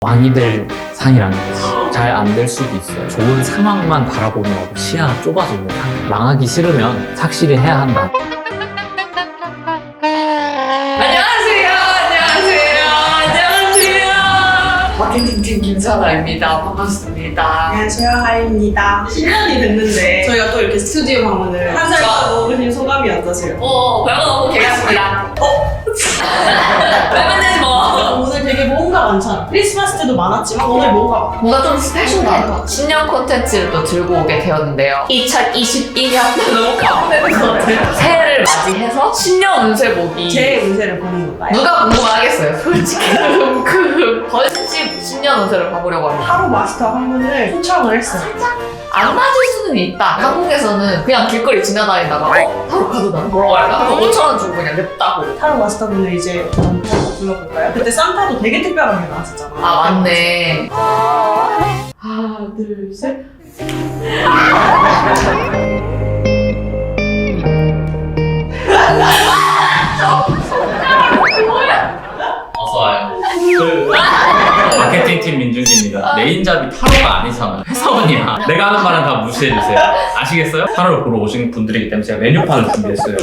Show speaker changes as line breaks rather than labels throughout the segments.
왕이 될 상이라는 거지. 잘 안 될 수도 있어요. 좋은 상황만 바라보느라고 시야가 좁아지는 상. 망하기 싫으면 착실히 해야 한다.
마케팅팀 김사나입니다. 반갑습니다.
안녕하세요, 하이입니다. 10년이 됐는데 저희가 또 이렇게 스튜디오 방문을 한 살 먹으신 소감이 어떠세요?
별거 없고 개같습니다. 왜 만나지 뭐.
오늘 되게 뭔가 많잖아. 크리스마스 때도 많았지만 오늘 뭔가
뭔가 좀 스페셜하다. 신년 콘텐츠를 또 들고 오게 되었는데요. 2021년 너무 가보내는 것 같아요. 새해를 맞이해서 신년 운세 보기.
제 운세를 보는 건가요?
누가 궁금하겠어요, 솔직히. 건식 신년 운세를 봐보려고 합니다.
하루 마스터 한 분을 초청을 했어요.
안 맞을 수는 있다. 한국에서는 그냥 길거리 지나다니다가 타로 카드다 뭐라고 할까? 5,000원 주고 그냥 냈다고.
하루 마스터 분을 이제 한번 불러볼까요? 그때 산타도 되게 특별하게 나왔었잖아.
아 맞네. 하나 둘 셋.
어서와요. 마케팅팀 민준기입니다. 메인잡이 타로가 아니잖아요. 회사원이야. 내가 하는 말은 다 무시해주세요. 아시겠어요? 타로를 보러 오신 분들이기 때문에 제가 메뉴판을 준비했어요.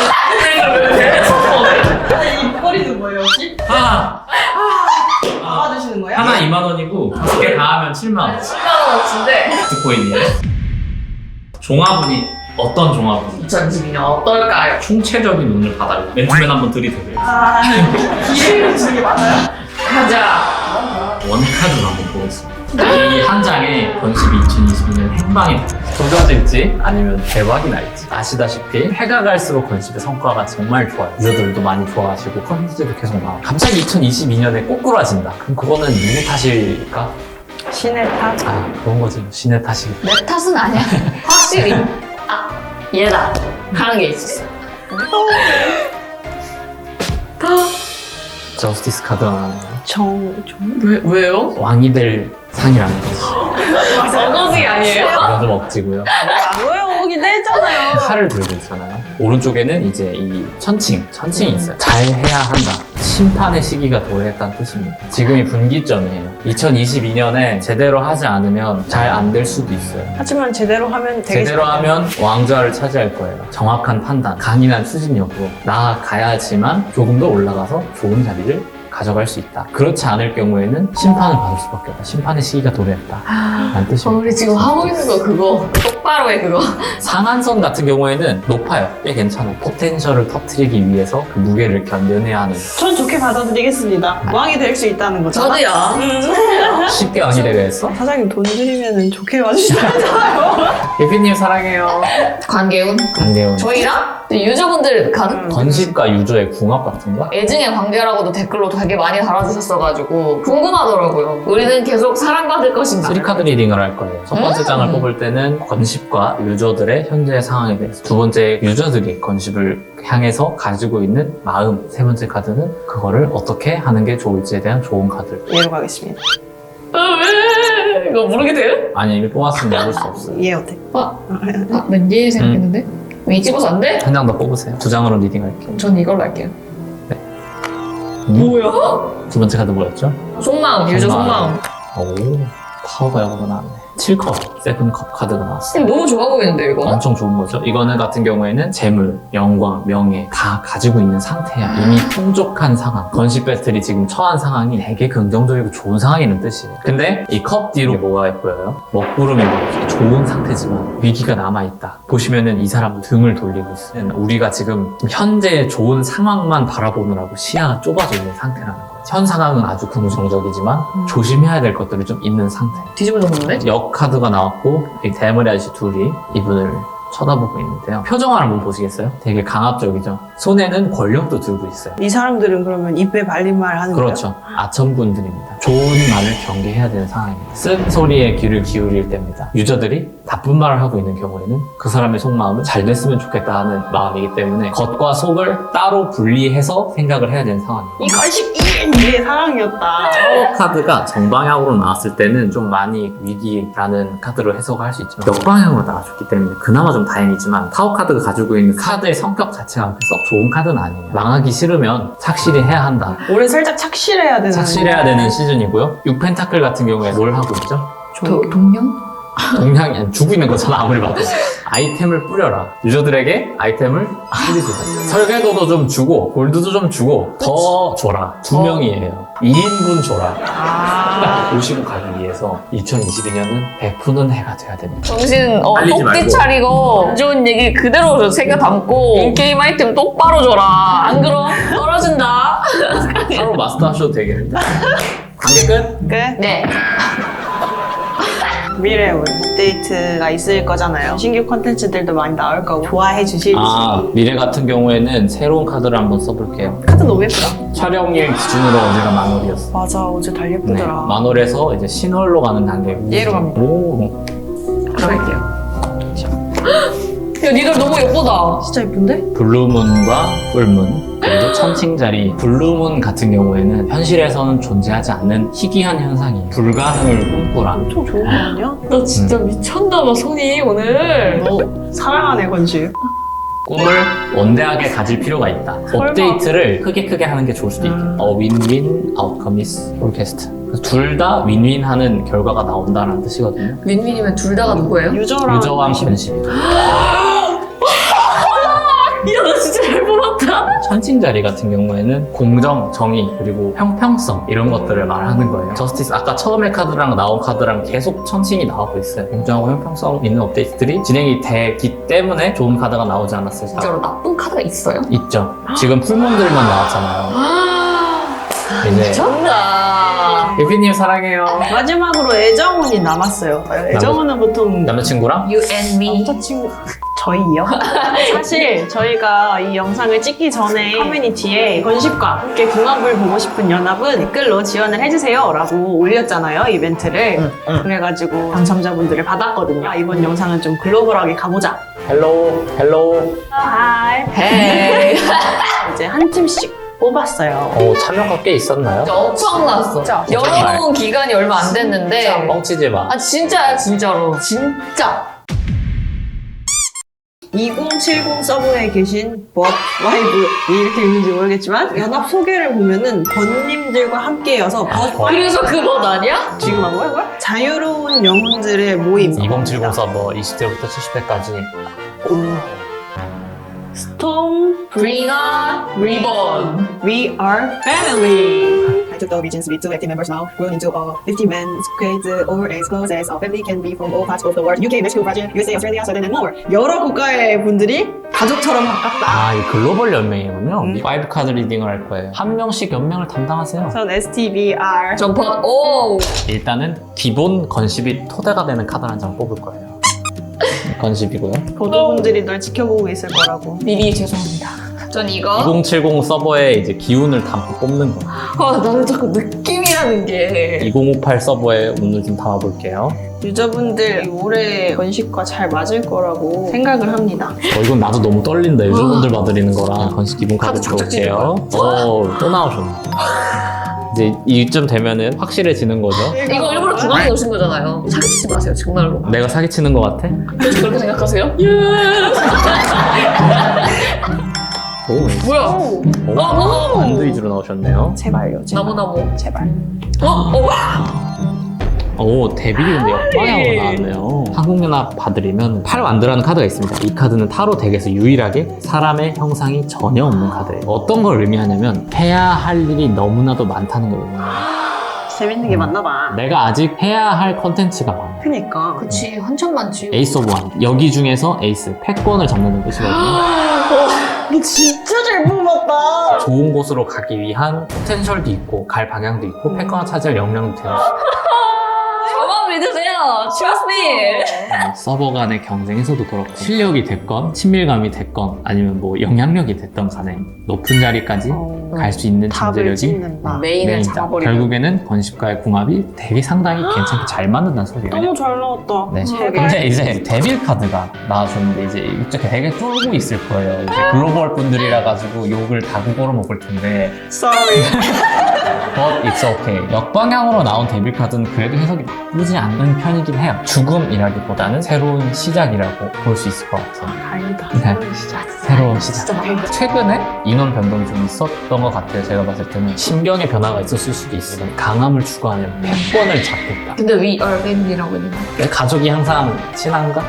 근데 이 목걸이는 뭐예요, 혹시? 받아주시는 거예요?
하나 2만 원이고 5개 다 하면 7만 원.
10만원어치인데
비트코인이에요. 종합운이 어떤 종합운이?
2022년 어떨까요?
총체적인 운을 받아요. 맨투맨 한번 들이대요.
기회를 주는 게 많아요?
가자.
원카드로 한번 보겠습니다. 이 한 장에 건십이 2022년 행방이 조져질지 아니면 대박이 날지. 아시다시피 해가 갈수록 건십의 성과가 정말 좋아요. 유저들도 많이 좋아하시고 컨텐츠도 계속 나와요. 갑자기 2022년에 꼬꾸라진다. 그럼 그거는 누구 탓일까?
신의 탓?
아 그런 거지. 신의 탓이.
내 탓은 아니야. 확실히 얘다 하는 게 있었어.
저스티스 카드가 나와요.
왜요?
왕이 될 상이라는 거지.
저거지 아니에요?
이건 좀 억지고요.
뭐예요? 오긴 했잖아요.
칼을 들고 있잖아요. 오른쪽에는 이제 이 천칭이 있어요. 잘 해야 한다. 심판의 시기가 도래했다는 뜻입니다. 지금이 분기점이에요. 2022년에 제대로 하지 않으면 잘 안 될 수도 있어요.
하지만 제대로 하면 되게
제대로 하면 왕좌를 차지할 거예요. 정확한 판단, 강인한 추진력으로 나아가야지만 조금 더 올라가서 좋은 자리를 가져갈 수 있다. 그렇지 않을 경우에는 심판을 받을 수밖에 없다. 심판의 시기가 도래했다. 라는 뜻입니다.
우리 지금 하고 있는 거 그거 똑바로 해 그거.
상한선 같은 경우에는 높아요. 꽤 괜찮아요. 포텐셜을 터트리기 위해서 그 무게를 견뎌내야 하는.
전 좋게 받아들이겠습니다. 왕이 될 수 있다는 거죠.
저도요.
쉽게 왕이 되려 했어?
사장님 돈 드리면 좋게 봐주시잖아요.
예피님 사랑해요.
관계운.
안돼요.
저희랑 유저분들 가능?
건식과 유저의 궁합 같은 거?
애증의 관계라고도 댓글로 되게 많이 달아주셨어가지고 궁금하더라고요. 우리는 계속 사랑받을 것인가?
3카드 리딩을 할 거예요. 첫 번째 장을 뽑을 때는 건식과 유저들의 현재 상황에 대해서, 두 번째 유저들이 건식을 향해서 가지고 있는 마음, 세 번째 카드는 그거를 어떻게 하는 게 좋을지에 대한 좋은 카드.
이해로 가겠습니다.
왜? 이거 모르게 돼요?
아니 이미 뽑았으면 해볼 수 없어요.
이해 어때?
왠지 생각했는데? 이 찍어서 안 돼?
한 장 더 뽑으세요. 두 장으로 리딩할게요.
전 이걸로 할게요.
뭐야? 두 번째 카드 뭐였죠?
속마음, 유저 속마음.
오, 파워가 여러 번 나왔네. 7컵, 세븐컵 카드가 나왔어요.
너무 좋아 보이는데 이거?
엄청 좋은 거죠. 이거는 같은 경우에는 재물, 영광, 명예 다 가지고 있는 상태야. 이미 풍족한 상황. 건식 배틀이 지금 처한 상황이 되게 긍정적이고 좋은 상황이라는 뜻이에요. 근데 이 컵 뒤로 뭐가 보여요? 먹구름이 보여요. 좋은 상태지만 위기가 남아있다. 보시면은 이 사람은 등을 돌리고 있어요. 우리가 지금 현재 좋은 상황만 바라보느라고 시야가 좁아져 있는 상태라는 거예요. 현 상황은 아주 긍정적이지만 조심해야 될 것들이 좀 있는 상태.
뒤집어 놓는데?
역 카드가 나왔고 이 대머리 아저씨 둘이 이분을 쳐다보고 있는데요. 표정을 한번 보시겠어요? 되게 강압적이죠. 손에는 권력도 들고 있어요.
이 사람들은 그러면 입에 발린 말 하는 거예요?
그렇죠. 아첨분들입니다. 좋은 말을 경계해야 되는 상황입니다. 쓴 소리에 귀를 기울일 때입니다. 유저들이 나쁜 말을 하고 있는 경우에는 그 사람의 속마음은 잘 됐으면 좋겠다 하는 마음이기 때문에 겉과 속을 따로 분리해서 생각을 해야 되는 상황이에요.
이 관심 이게 사랑이었다.
타워 카드가 정방향으로 나왔을 때는 좀 많이 위기라는 카드로 해석을 할 수 있지만 역방향으로 나와줬기 때문에 그나마 좀 다행이지만 타워 카드가 가지고 있는 카드의 성격 자체가 썩 좋은 카드는 아니에요. 망하기 싫으면 착실히 해야 한다.
올해 살짝 착실해야 되는.
착실해야 되는 시즌이고요. 6펜타클 같은 경우에 뭘 하고 있죠?
동령?
동향이 아니, 주고 있는 거잖아 아무리 봐도. 아이템을 뿌려라. 유저들에게 아이템을 뿌리세요. 설계도도 좀 주고 골드도 좀 주고 더 줘라. 2명이에요. 2인분 줘라. 모시고 가기 위해서 2022년은 베푸는 해가 돼야 됩니다.
정신
빨리지
꼭지
말고.
차리고 안 좋은 얘기 그대로 새겨 담고 인게임 아이템 똑바로 줘라. 안 그럼 떨어진다.
바로 마스터 하셔도 되겠는데. 관계 끝?
끝.
네.
미래 업데이트가 있을 거잖아요. 신규 콘텐츠들도 많이 나올 거고 좋아해 주실지.
미래 같은 경우에는 새로운 카드를 한번 써볼게요.
카드 너무 예쁘다.
촬영일 기준으로 어제가 만월이었어.
맞아, 어제 달
네,
예쁘더라.
만월에서 이제 신월로 가는 단계고.
얘로 갑니다.
오.
들어갈게요. 야, 니들 너무 예쁘다.
진짜 예쁜데?
블루문과 풀문 그리고 천칭자리. 블루문 같은 경우에는 현실에서는 존재하지 않는 희귀한 현상이에요. 불가능을 꿈꾸라.
엄청 좋은 거 아니야?
너 진짜 미쳤나봐, 손이 오늘.
너 사랑하네, 건식.
꿈을 원대하게 가질 필요가 있다.
설마.
업데이트를 크게 하는 게 좋을 수도 있겠다. 윈윈 아웃컴 이스 포캐스트. 둘 다 윈윈하는 결과가 나온다는 뜻이거든요.
윈윈이면 둘 다가 누구예요?
유저랑
유저와
관심.
건십이다.
야, 너 진짜 잘 뽑았다.
천칭자리 같은 경우에는 공정, 정의, 그리고 형평성 이런 것들을 말하는 거예요. 저스티스 아까 처음에 카드랑 나온 카드랑 계속 천칭이 나오고 있어요. 공정하고 형평성 있는 업데이트들이 진행이 되기 때문에 좋은 카드가 나오지 않았을까.
진짜로 나쁜 카드가 있어요?
있죠. 지금 풀몬들만 나왔잖아요. 이제
미쳤다.
유피님 사랑해요.
마지막으로 애정운이 남았어요. 애정운은 보통
남자친구랑?
You and me.
남자친구 저희요? 사실 저희가 이 영상을 찍기 전에 커뮤니티에 건식과 함께 궁합을 보고 싶은 연합은 댓글로 지원을 해주세요 라고 올렸잖아요, 이벤트를. 그래가지고 당첨자분들을 받았거든요. 이번 영상은 좀 글로벌하게 가보자.
헬로우.
하이.
헤이.
이제 한 팀씩 뽑았어요.
참여가 꽤 있었나요?
진짜 엄청났어.
진짜.
열어놓은 기간이 얼마 안 됐는데.
뻥치지 마.
아, 진짜야, 진짜로. 진짜.
2070 서버에 계신 법 와이브 이렇게 읽는지 모르겠지만 연합 소개를 보면은 번님들과 함께여서 법 와이브
그래서 그것 아니야?
지금 한 거야 이걸? 자유로운 영혼들의 모임
2070 서버 20대부터 70대까지.
스톰
Bring on Reborn.
We are family. I took the regions with 2 active members now, grown into a 50-man squad or as close as a family can be from all parts of the world. UK, Mexico, Brazil, USA, Australia, Sweden, and more. 여러 국가의 분들이 가족처럼 가깝다.
이 글로벌 연맹이군요. 5 카드 리딩을 할 거예요. 한 명씩 연맹을 담당하세요.
전 STBR.
점퍼, 오!
일단은 기본 건십이 토대가 되는 카드 한 장 뽑을 거예요. 건십이고요.
보도분들이 널 지켜보고 있을 거라고.
미리 죄송합니다. 전 이거.
2070 서버에 이제 기운을 담고 뽑는 거.
나는 자꾸 느낌이라는 게.
2058 서버에 오늘 좀 담아볼게요.
유저분들 올해 건식과 잘 맞을 거라고 생각을 합니다.
이건 나도 너무 떨린다. 유저분들 봐드리는 거랑 건식 기본 카드
카드 착착
들어올게요. 또 나오셨네. 이제 이쯤 되면은 확실해지는 거죠.
이거 일부러 중앙에 오신 거잖아요. 사기치지 마세요, 정말로.
내가 사기치는 것 같아?
혹시 그렇게 생각하세요?
오,
뭐야?
반드 위주로 나오셨네요.
제발요, 제발.
나무나무.
제발.
오, 데빌이 근데 역방향으로 나왔네요. 한국연합 봐드리면 팔완드라는 카드가 있습니다. 이 카드는 타로 덱에서 유일하게 사람의 형상이 전혀 없는 카드예요. 어떤 걸 의미하냐면 해야 할 일이 너무나도 많다는 걸 의미해요.
재밌는 게 맞나 봐.
내가 아직 해야 할 컨텐츠가 많아.
그니까.
그치, 한참 많지.
에이스 오브 완. 여기 중에서 에이스, 패권을 잡는 뜻이거든요.
너 진짜 잘 뽑았다.
좋은 곳으로 가기 위한 포텐셜도 있고 갈 방향도 있고 패권을 차지할 역량도 돼요.
저만 믿으세요. 아니에요. Trust me.
서버 간의 경쟁에서도 그렇고 실력이 됐건 친밀감이 됐건 아니면 뭐 영향력이 됐던 간에 높은 자리까지 갈 수 있는
답을
잠재력이
찍는다.
메인을
메인이다.
잡아버리는.
결국에는 건식과의 궁합이 되게 상당히 괜찮게 잘 맞는다는 소리예요.
너무 잘 나왔다.
네.
제발.
근데 이제 데빌 카드가 나와줬는데 이제 이쪽 되게 쫄고 있을 거예요. 이제 글로벌 분들이라 가지고 욕을 다국어로 먹을 텐데
Sorry.
But it's okay. 역방향으로 나온 데빌 카드는 그래도 해석이 나쁘지 않은 편이긴 해요. 죽음이라기보다는 새로운 시작이라고 볼 수 있을 것 같아요.
다행이다.
네.
새로운 시작.
새로운 시작.
진짜 다행이다.
최근에 인원 변동이 좀 있었던 것 같아요. 제가 봤을 때는 신경의 변화가 있었을 수도 있어요. 강함을 추구하는 패권을 잡겠다.
근데 we are family라고 했는데.
내 가족이 항상 친한가?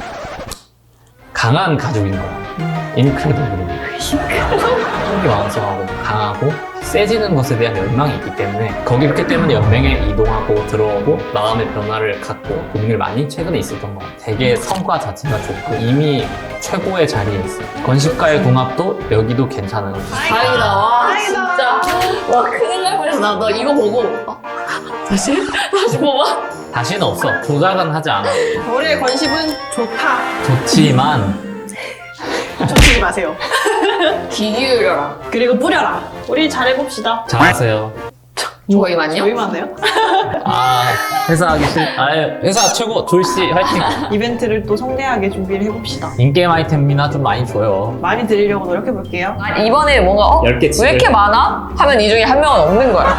강한 가족인 거야. 인크레더블. 가족이 왕성하고 강하고 세지는 것에 대한 열망이 있기 때문에 거기 있기 때문에 연맹에 이동하고 들어오고 마음의 변화를 갖고 고민을 많이 최근에 있었던 것 같아요. 되게 성과 자체가 좋고 이미 최고의 자리에 있어요. 건식과의 궁합도 여기도 괜찮은 것 같아요.
다행이다. 와,
다행이다.
진짜. 와, 큰일 날 뻔했어. 나 이거 보고. 다시? 다시 뽑아?
다시는 없어. 조작은 하지 않아.
우리의 건식은 좋다.
좋지만
쫓지 마세요.
귀 기울여라.
그리고 뿌려라. 우리 잘해봅시다.
잘하세요.
저희만요?
저희만요?
아 회사 하기 싫. 회사 최고 졸씨 화이팅.
이벤트를 또 성대하게 준비를 해봅시다.
인게임 아이템이나 좀 많이 줘요.
많이 드리려고 노력해볼게요.
이번에 뭔가
10개
왜
찍을
이렇게 많아? 하면 이 중에 한 명은 없는 거야.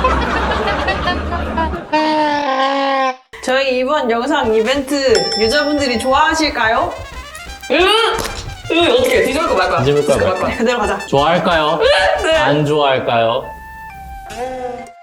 저희 이번 영상 이벤트 유저분들이 좋아하실까요?
어떻게 뒤집을 거 말 거야?
뒤집을 거야, 말 거야.
그대로 가자.
좋아할까요? 안 좋아할까요?